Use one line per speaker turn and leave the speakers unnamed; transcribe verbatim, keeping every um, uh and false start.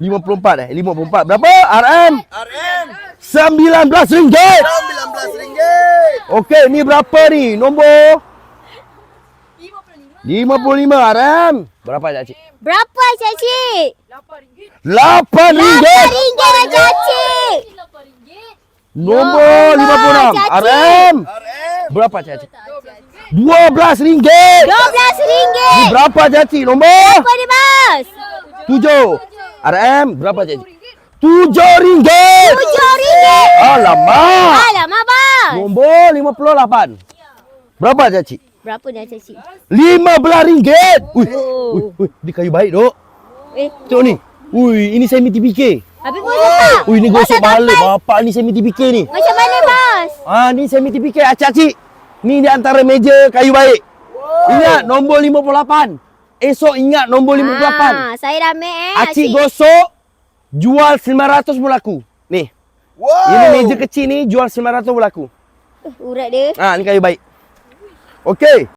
lima puluh empat eh? lima puluh empat. Berapa? R M?
R M.
sembilan belas ringgit.
sembilan belas ringgit.
Okey, ni berapa ni? Nombor? lima puluh lima R M. Berapa Cik?
Berapa Cik?
lapan ringgit.
Ringgit Cik.
Nombor lima puluh enam R M.
R M.
Berapa Cik? dua belas ringgit.
dua belas ringgit.
Ni berapa Cik? Nombor?
Apa ni Bos?
tujuh. R M berapa Cik? tujuh ringgit.
tujuh ringgit.
Alamak.
Alamak Bos.
Nombor lima puluh lapan. Berapa Cik?
Berapa dah Cik?
lima belas ringgit. Ui,
Oh.
ui, ui, dia kayu baik dok.
Eh,
Tengok ni. Ui, ini semi T P K.
habis Bos tak?
Ui, ni gosok
tak
balik.
sampai.
Bapak ni semi T P K ni.
Macam mana Bos?
Ah, ni semi T P K. Acik-acik. Ni di antara meja kayu baik. Ingat nombor lima puluh lapan. Esok ingat nombor lima puluh lapan.
Ah, saya dah ambil eh.
Acik gosok, jual sembilan ratus berlaku. Ni.
Wow.
Ini meja kecil ni jual sembilan ratus berlaku.
Uh, urat dia.
Ah, ni kayu baik. Okey.